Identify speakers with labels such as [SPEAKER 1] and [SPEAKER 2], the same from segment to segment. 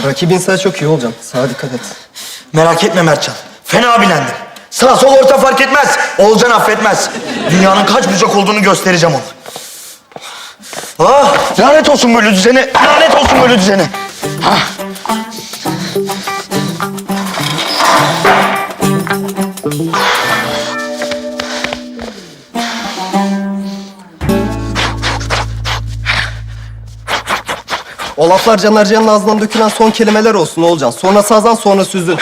[SPEAKER 1] Rakibin sağ çok iyi Olcan. Sağa dikkat et.
[SPEAKER 2] Merak etme Mertcan. Fena bilendim. Sağ sol orta fark etmez. Oğulcan affetmez. Dünyanın kaç bucak olduğunu göstereceğim ona. Ah, lanet olsun böyle düzene. Lanet olsun böyle düzene. Ah.
[SPEAKER 1] O laflar Caner Can'ın ağzından dökülen son kelimeler olsun Olcan. Sonra sazan sonra süzün.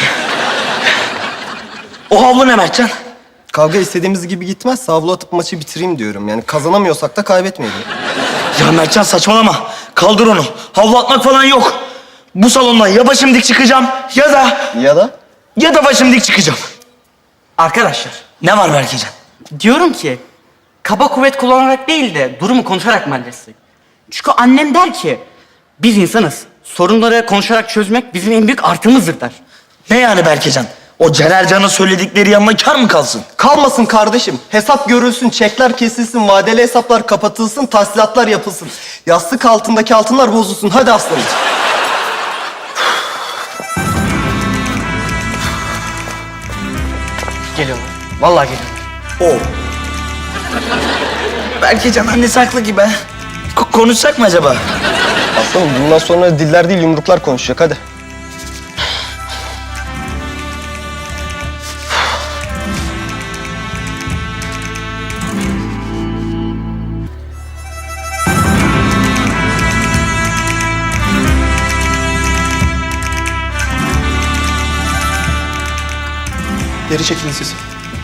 [SPEAKER 2] O havlu ne Mertcan?
[SPEAKER 1] Kavga istediğimiz gibi gitmezse havlu atıp maçı bitireyim diyorum. Yani kazanamıyorsak da kaybetmeyelim.
[SPEAKER 2] Ya Mertcan saçmalama. Kaldır onu. Havlu atmak falan yok. Bu salondan ya başım dik çıkacağım ya da başım dik çıkacağım.
[SPEAKER 3] Arkadaşlar,
[SPEAKER 2] Ne var Berkecan?
[SPEAKER 3] diyorum ki kaba kuvvet kullanarak değil de durumu konuşarak mı halledecek? Çünkü annem der ki biz insanız. Sorunları konuşarak çözmek bizim en büyük artımızdır der.
[SPEAKER 2] Ne yani Berkecan? O Caner Can'ın söyledikleri yanına kar mı kalsın?
[SPEAKER 1] Kalmasın kardeşim. Hesap görülsün, çekler kesilsin, vadeli hesaplar kapatılsın, tahsilatlar yapılsın. Yastık altındaki altınlar bozulsun. Hadi aslanım.
[SPEAKER 3] Geliyorlar. Vallahi geliyorlar.
[SPEAKER 2] O. Berkecan annesi haklı gibi. Konuşsak mı acaba?
[SPEAKER 1] Aslanım bundan sonra diller değil yumruklar konuşacak. Hadi. Geri çekilin siz.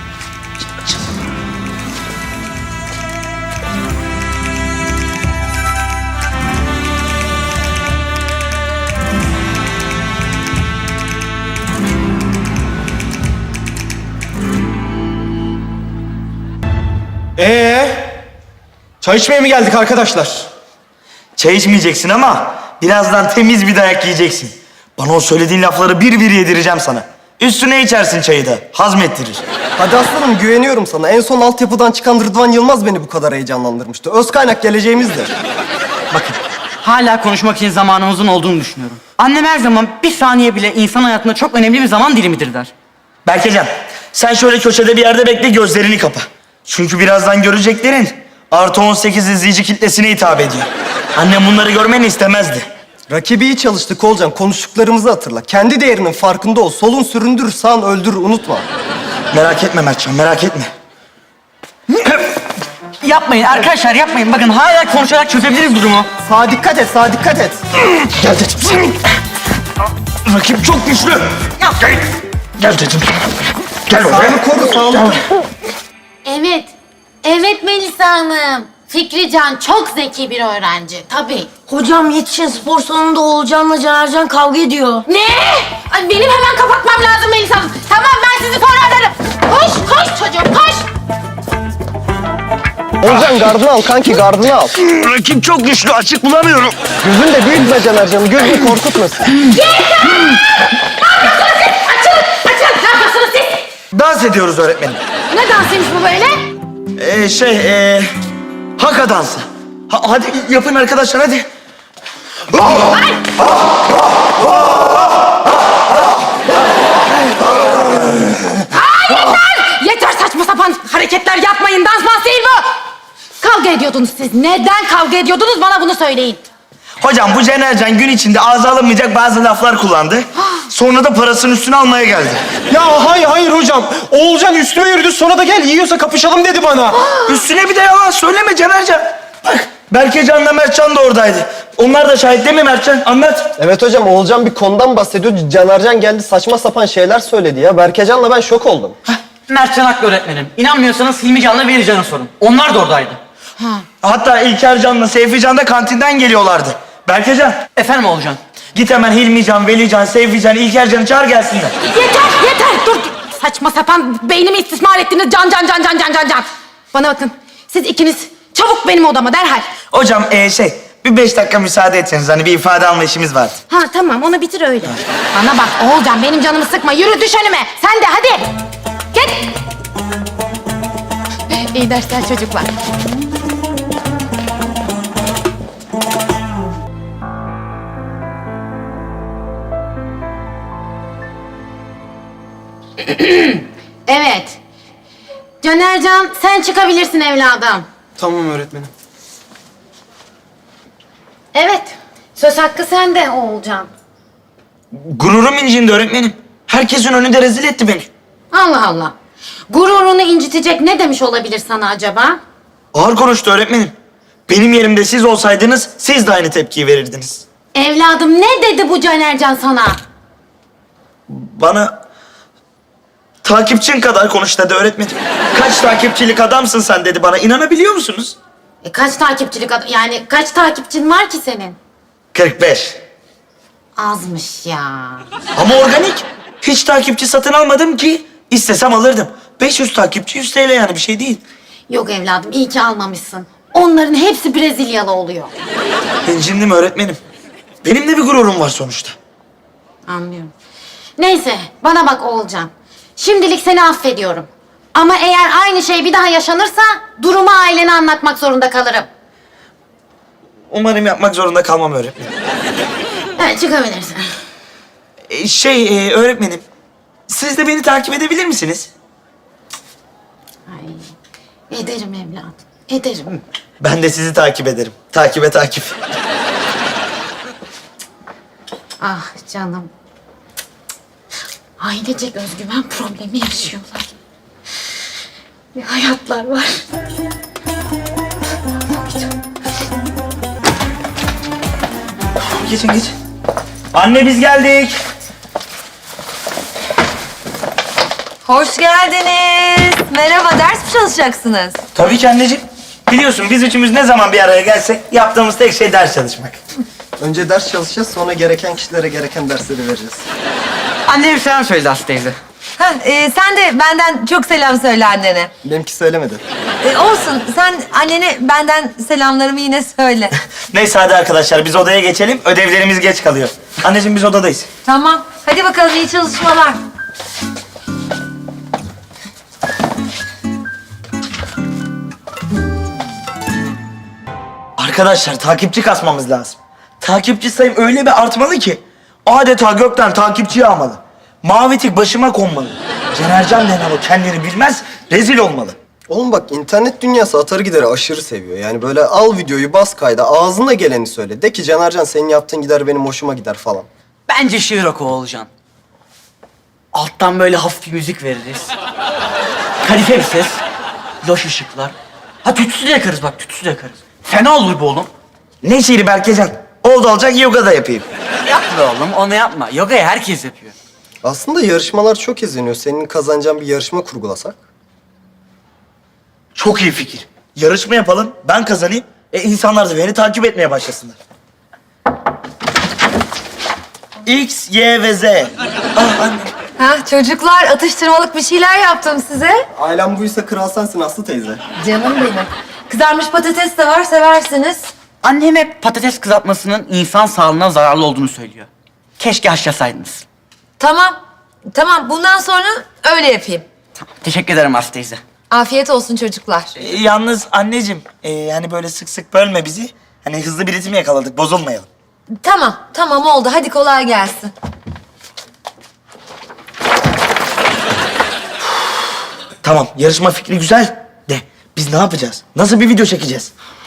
[SPEAKER 1] Çay içmeye mi geldik arkadaşlar?
[SPEAKER 2] Çay içmeyeceksin ama birazdan temiz bir dayak yiyeceksin. Bana o söylediğin lafları bir bir yedireceğim sana. Üstüne içersin çayı da. Hazmettirir.
[SPEAKER 1] Hadi aslanım güveniyorum sana. En son altyapıdan çıkan Rıdvan Yılmaz beni bu kadar heyecanlandırmıştı. Öz kaynak geleceğimizdir.
[SPEAKER 3] Bakın, hala konuşmak için zamanımızın olduğunu düşünüyorum. Annem her zaman bir saniye bile insan hayatında çok önemli bir zaman dilimidir der.
[SPEAKER 2] Berkecan, sen şöyle köşede bir yerde bekle, gözlerini kapa. Çünkü birazdan göreceklerin artı 18 izleyici kitlesine hitap ediyor. Annem bunları görmeni istemezdi.
[SPEAKER 1] Rakibi iyi çalıştık Olcan. Konuştuklarımızı hatırla. Kendi değerinin farkında ol. Solun süründür, sağın öldür. Unutma.
[SPEAKER 2] Merak etme Mertcan, merak etme.
[SPEAKER 3] Yapmayın arkadaşlar, yapmayın. Bakın hala konuşarak çözebiliriz durumu.
[SPEAKER 1] Sağa dikkat et, sağa dikkat et.
[SPEAKER 2] Gel dedim. Rakip çok güçlü. Gel. Gel dedim. Gel oraya.
[SPEAKER 1] Sağını koru, sağını.
[SPEAKER 4] Evet. Evet Melisa Hanım. Fikrican çok zeki bir öğrenci. Tabii.
[SPEAKER 5] Hocam yetişin spor salonunda Oğulcan'la Canercan kavga ediyor.
[SPEAKER 4] Ne? Ay, benim hemen kapatmam lazım Melisa Hanım. Tamam ben sizi sonra ararım. Koş koş çocuğum koş.
[SPEAKER 1] Olcan gardını al kanki, gardını al.
[SPEAKER 2] Rakip çok güçlü, açık bulamıyorum.
[SPEAKER 1] Gözün de büyütme Canercan'ı. Gözünü korkutmasın.
[SPEAKER 4] Açılın. Açılın. Ne yapıyorsunuz siz?
[SPEAKER 2] Dans ediyoruz öğretmenim.
[SPEAKER 4] Ne dansıymış bu böyle?
[SPEAKER 2] Haka dansı. Hadi yapın arkadaşlar, hadi.
[SPEAKER 4] Yeter saçma sapan hareketler yapmayın. Dans değil bu. Kavga ediyordunuz siz. Neden kavga ediyordunuz bana bunu söyleyin.
[SPEAKER 2] Hocam bu Canercan gün içinde ağza alınmayacak bazı laflar kullandı. Sonra da parasının üstüne almaya geldi.
[SPEAKER 6] Ya hayır hocam. Oğulcan üstüme yürüdü sonra da gel yiyorsa kapışalım dedi bana.
[SPEAKER 2] Üstüne bir de yalan söyleme Canercan. Bak Berkecan'la Mertcan da oradaydı. Onlar da şahit değil mi Mertcan? Anlat.
[SPEAKER 1] Evet hocam, Oğulcan bir konudan bahsediyor. Canercan geldi saçma sapan şeyler söyledi ya. Berkecan'la ben şok oldum.
[SPEAKER 3] Mertcan haklı öğretmenim. İnanmıyorsanız Hilmi Can'la Veli Can'a sorun. Onlar da oradaydı.
[SPEAKER 2] Hatta İlker Can'la Seyfi Can da kantinden geliyorlardı. Berkecan,
[SPEAKER 3] Efendim Oğulcan?
[SPEAKER 2] git hemen Hilmi Can, Veli Can, Seyfi Can, İlker Can'ı çağır gelsinler.
[SPEAKER 4] Yeter dur. Saçma sapan beynimi istismar ettiniz. Can. Bana bakın siz ikiniz çabuk benim odama derhal.
[SPEAKER 2] Hocam bir 5 dakika müsaade etseniz, hani bir ifade alma işimiz vardı.
[SPEAKER 4] Ha tamam onu bitir öyle. Bana bak Oğulcan benim canımı sıkma. Yürü düş önüme. Sen de hadi. Git. İyi dersler çocuklar. Evet. Canercan sen çıkabilirsin evladım.
[SPEAKER 6] Tamam öğretmenim.
[SPEAKER 4] Evet. Söz hakkı sende Oğulcan.
[SPEAKER 2] Gururum incindi öğretmenim. Herkesin önünde rezil etti beni.
[SPEAKER 4] Allah Allah. Gururunu incitecek ne demiş olabilir sana acaba?
[SPEAKER 2] Ağır konuştu öğretmenim. Benim yerimde siz olsaydınız siz de aynı tepkiyi verirdiniz.
[SPEAKER 4] Evladım ne dedi bu Canercan sana?
[SPEAKER 2] Bana takipçin kadar konuş dedi öğretmenim. Kaç takipçilik adamsın sen dedi bana. İnanabiliyor musunuz?
[SPEAKER 4] Kaç takipçilik yani kaç takipçin var ki senin?
[SPEAKER 2] 45.
[SPEAKER 4] Azmış ya.
[SPEAKER 2] Ama organik. Hiç takipçi satın almadım ki. İstesem alırdım. 500 takipçi 100 TL yani bir şey değil.
[SPEAKER 4] Yok evladım iyi ki almamışsın. Onların hepsi Brezilyalı oluyor.
[SPEAKER 2] İncindim öğretmenim. Benim de bir gururum var sonuçta.
[SPEAKER 4] Anlıyorum. Neyse bana bak Oğulcan. Şimdilik seni affediyorum. Ama eğer aynı şey bir daha yaşanırsa durumu ailene anlatmak zorunda kalırım.
[SPEAKER 2] Umarım yapmak zorunda kalmam öğretmenim.
[SPEAKER 4] Evet çıkabilirsin.
[SPEAKER 2] Öğretmenim. Siz de beni takip edebilir misiniz?
[SPEAKER 4] Ay, ederim evladım. Ederim.
[SPEAKER 2] Ben de sizi takip ederim. Takibe takip.
[SPEAKER 4] Ah canım. Ailecek özgüven problemi yaşıyorlar. Bir hayatlar var.
[SPEAKER 2] Geçin geç. Anne biz geldik.
[SPEAKER 7] Hoş geldiniz. Merhaba, ders mi çalışacaksınız?
[SPEAKER 2] Tabii ki anneciğim. Biliyorsun biz üçümüz ne zaman bir araya gelsek yaptığımız tek şey ders çalışmak.
[SPEAKER 1] Önce ders çalışacağız, sonra gereken kişilere gereken dersleri vereceğiz.
[SPEAKER 3] Annem selam söyledi Aslı teyze.
[SPEAKER 7] Sen de benden çok selam söyle annene.
[SPEAKER 1] Benimki söylemedi.
[SPEAKER 7] Olsun, sen annene benden selamlarımı yine söyle.
[SPEAKER 2] Neyse hadi arkadaşlar biz odaya geçelim. Ödevlerimiz geç kalıyor. Anneciğim biz odadayız.
[SPEAKER 7] Tamam, hadi bakalım iyi çalışmalar.
[SPEAKER 2] Arkadaşlar takipçi kasmamız lazım. Takipçi sayım öyle bir artmalı ki adeta gökten takipçi yağmalı. Mavi tik başıma konmalı. Cenercan denen o kendini bilmez, rezil olmalı.
[SPEAKER 1] Oğlum bak internet dünyası atarı gideri aşırı seviyor. Yani böyle al videoyu bas kayda ağzına geleni söyle. De ki Canercan senin yaptığın gider benim hoşuma gider falan.
[SPEAKER 3] Bence şiir oku Oğulcan. Alttan böyle hafif bir müzik veririz. Kadife bir ses. Loş ışıklar. Ha tütsü de yakarız bak tütsü de yakarız. Fena olur bu oğlum.
[SPEAKER 2] Ne şiiri Berkecan? Oldu olacak yoga da yapayım.
[SPEAKER 3] Yapma oğlum onu yapma. Yogayı herkes yapıyor.
[SPEAKER 1] Aslında yarışmalar çok izleniyor. Senin kazanacağın bir yarışma kurgulasak.
[SPEAKER 2] Çok iyi fikir. Yarışma yapalım, ben kazanayım. İnsanlar da beni takip etmeye başlasınlar. X, Y ve Z. Ah anne.
[SPEAKER 7] Çocuklar atıştırmalık bir şeyler yaptım size.
[SPEAKER 1] Ailem buysa kral sensin Aslı teyze.
[SPEAKER 7] Canım benim. Kızarmış patates de var, seversiniz.
[SPEAKER 3] Annem hep patates kızartmasının insan sağlığına zararlı olduğunu söylüyor. Keşke haşlasaydınız.
[SPEAKER 7] Tamam. Bundan sonra öyle yapayım.
[SPEAKER 3] Tamam, teşekkür ederim Aslı teyze.
[SPEAKER 7] Afiyet olsun çocuklar.
[SPEAKER 2] Yalnız anneciğim, yani böyle sık sık bölme bizi. Hani hızlı bir ritim yakaladık, bozulmayalım.
[SPEAKER 7] Tamam oldu. Hadi kolay gelsin.
[SPEAKER 2] Tamam, yarışma fikri güzel. De, biz ne yapacağız? Nasıl bir video çekeceğiz?